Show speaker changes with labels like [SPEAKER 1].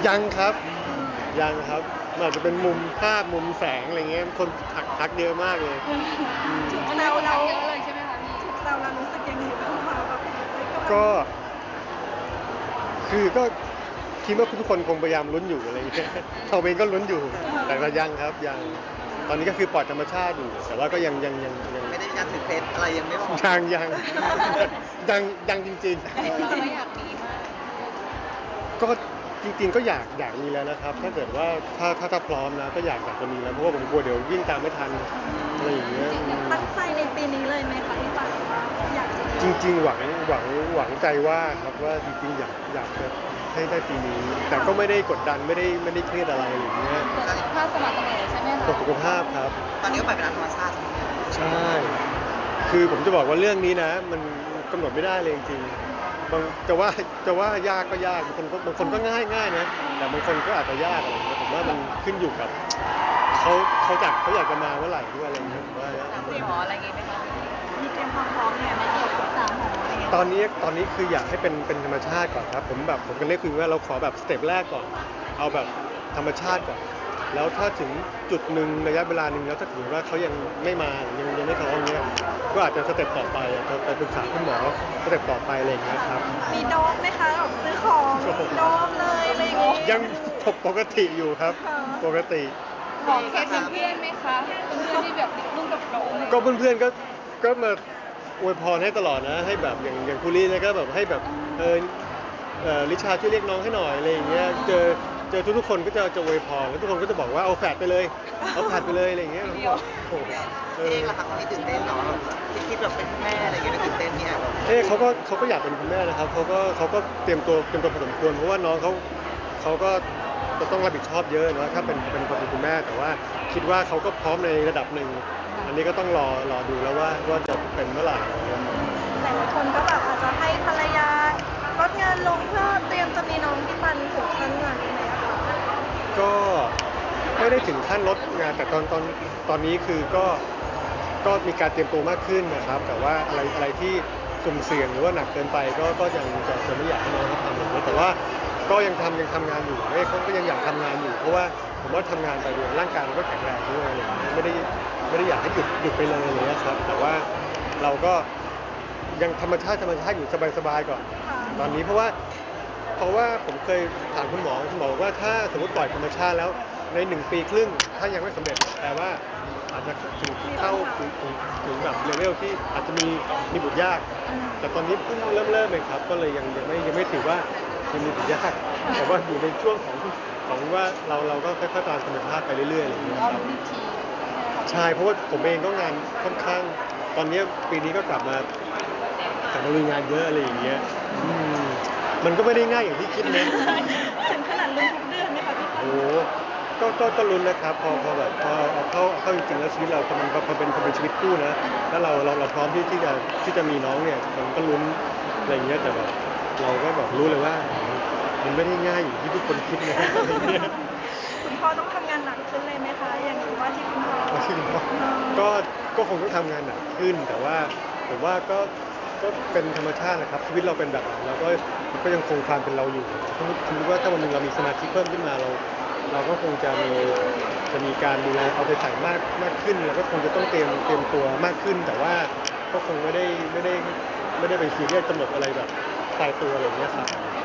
[SPEAKER 1] ยังครับยังครับมันอาจจะเป็นมุมภาพมุมแสงอะไรเงี้ยคนทักเยอะมากเลย
[SPEAKER 2] ถูกแซวเราเยอะเลยใช่ไหมคะพี่ถูกแซวเรารู้สึกยังไงบ้างคะแบบ
[SPEAKER 1] ก็คือก็คิดว่าทุกคนคงพยายามลุ้นอยู่อะไรเงี้ยเราเองก็ลุ้นอยู่แต่ก็ยังครับยังตอนนี้ก็คือปล่อยธรรมชาติอยู่แต่ว่าก็ยัง
[SPEAKER 3] ไม่ได้ยังถือเคล็ดอะไรยังไม่บอก
[SPEAKER 1] ยังจริง
[SPEAKER 2] เราไม่อยากมีมาก
[SPEAKER 1] ๆก็จริงๆก็อยากมีแล้วนะครับถ้าเกิดว่าถ้าพร้อมนะก็อยากจะมีแล้วเพราะว่าผมกลัวเดี๋ยววิ่งตามไม่ทันอะไรอย่างเงี้ย
[SPEAKER 2] ตั้งใจในปีนี้เลยไหมคะที่ปันอยากจะ
[SPEAKER 1] จริงๆหวังใจว่าครับว่าจริงๆอยากจะให้ได้ปีนี้แต่ก็ไม่ได้กดดันไม่ได้เครียดอะไรอย่างเงี้ย
[SPEAKER 2] ถ้าสมัครตำแหน่งใช่ไหมคะ
[SPEAKER 1] ตกสุขภาพครับ
[SPEAKER 3] ตอนนี้ก็ปล่อยเป็นธรรมชาติ
[SPEAKER 1] ใช่คือผมจะบอกว่าเรื่องนี้นะมันกำหนดไม่ได้เลยจริงๆจะว่ายากก็ยากบางคนก็ง่ายนะแต่บางคนก็อาจจะยากอะไรอย่างเงี้ยผมว่ามันขึ้นอยู่กับเขาอยากจะมาเมื่อไหร่ด้วยอะไรอย่างเงี้ยผมว่า
[SPEAKER 2] ถามคุณหมออะไรอย่างงี้ไหมคะมีเตรียมความพร้อมเนี่ยไม่เกี่ยวกับหมออะไรเงี้ย
[SPEAKER 1] ตอนนี้คืออยากให้เป็นธรรมชาติก่อนครับผมกันเรียกคือว่าเราขอแบบสเต็ปแรกก่อนเอาแบบธรรมชาติก่อนแล้วถ้าถึงจุดหนึ่งระยะเวลาหนึ่งแล้วถ้าถือว่าเขายังไม่มายังไม่พร้อมเนี้ยก็อาจจะสเต็ปต่อไปจะไปปรึกษาคุณหมอสเต็ปต่อไปอะไรอย่างเงี้ยครับ
[SPEAKER 2] มีโดมไหมคะแบบซื้อของโดมเลยอะไรอย่างงี้
[SPEAKER 1] ยังปกติอยู่ครับปกติ
[SPEAKER 2] บอกเคสเพื่อนไหมคะเพื่อนที่แบบรุ่นกับเราอะไร
[SPEAKER 1] ก็เพื่อนๆก็มาอวยพรให้ตลอดนะให้แบบอย่างคุรีเนี่ยก็แบบให้แบบลิชาช่วยเรียกน้องให้หน่อยอะไรอย่างเงี้ยเจอทุกๆคนก็จะอวยพรแล้วทุกคนก็จะบอกว่าเอาแฝดไปเลยเอาแฝดไปเลยอะไรอย่างเงี้ยโอ้โห
[SPEAKER 3] เองล่ะคะตอนนี้ตื่นเต้นเนาะคิดแบบเป็นแม่อะไรอย่างเงี้ยตื่นเต้นเนี่ย
[SPEAKER 1] เขาก็อยากเป็นคุณแม่นะครับเขาก็เตรียมตัวพอสมควรเพราะว่าน้องเขาก็จะต้องรับผิดชอบเยอะนะถ้าเป็นคนเป็นคุณแม่แต่ว่าคิดว่าเขาก็พร้อมในระดับหนึ่งอันนี้ก็ต้องรอดูแล้วว่าจะเป็นเมื่อไหร่อะไรเงี้ย
[SPEAKER 2] แต่ละคนก็แบบอาจจะให้ภรรยาลดงานลงเพื่อเตรียมจะมีน้องที่ปันถึงขั้นนั้นไหมคะ
[SPEAKER 1] ก็ไม่ได้ถึงขั้นลดงานแต่ตอนนี้คือก็มีการเตรียมตัวมากขึ้นนะครับแต่ว่าอะไรที่สุ่มเสี่ยงหรือว่าหนักเกินไปก็ยังจะไม่อยากให้น้องเขาทำอย่างนี้แต่ว่าก็ยังทำงานอยู่เขาก็ยังอยากทำงานอยู่เพราะว่าผมว่าทำงานไปด้วยร่างกายมันก็แข็งแรงด้วยอะไรอย่างเงี้ยไม่ได้อยากให้หยุดไปเลยอะไรเลยนะครับแต่ว่าเราก็ยังธรรมชาติอยู่สบายๆก่อนตอนนี้เพราะว่าผมเคยถามคุณหมอบอกว่าถ้าสมมติปล่อยธรรมชาติแล้วใน1 ปีครึ่งถ้ายังไม่สำเร็จแปลว่าอาจจะเข้าถึงแบบเลเวลที่อาจจะมีบุตรยากแต่ตอนนี้เพิ่งเริ่มเลยครับก็เลยยังไม่ถือว่ายังมีบุตรยากแต่ว่าอยู่ในช่วงของว่าเราก็ค่อยๆตามธรรมชาติไปเรื่อยๆอะไรอย่างเงี้ยครับใช่เพราะว่าผมเองก็งานค่อนข้างตอนนี้ปีนี้ก็กลับมาลุยงานเยอะอะไรอย่างเงี้ยมันก็ไม่ได้ง่ายอย่างที่คิดนะ
[SPEAKER 2] ถึงขนาดลุ้นทุกเดือนไหมคะพี่ปัน
[SPEAKER 1] โอ้ก็ลุ้นนะครับพอแบบพอเอาเข้าจริงๆแล้วชีวิตเรามันพอเป็นชีวิตคู่นะแล้วเราพร้อมที่จะมีน้องเนี่ยมันก็ลุ้นอะไรอย่างเงี้ยแต่แบบเราก็แบบรู้เลยว่ามันไม่ได้ง่ายอย่างที่ทุกคนคิดนะอะไรเงี้ย
[SPEAKER 2] คุณพ่อต้องทำงานหนักขึ้นเลยไหมคะอย่างนี้ว่าที่คุณพ่อ
[SPEAKER 1] ก็คงต้องทำงานหนักขึ้นแต่ว่าผมว่าก็เป็นธรรมชาตินะครับชีวิตเราเป็นแบบนั้นเราก็ยังคงความเป็นเราอยู่สมมติว่าถ้าวันหนึงเรามีสมาธิเพิ่มขึ้นมาเราก็คงจะมีการดูแลเอาใจใส่มากขึ้นเราก็คงจะต้องเตรียมตัวมากขึ้น แต่ว่าก็คงไม่ได้ไปซีเรียสกำหนดอะไรแบบตายตัวอะไรอย่างเงี้ยครับ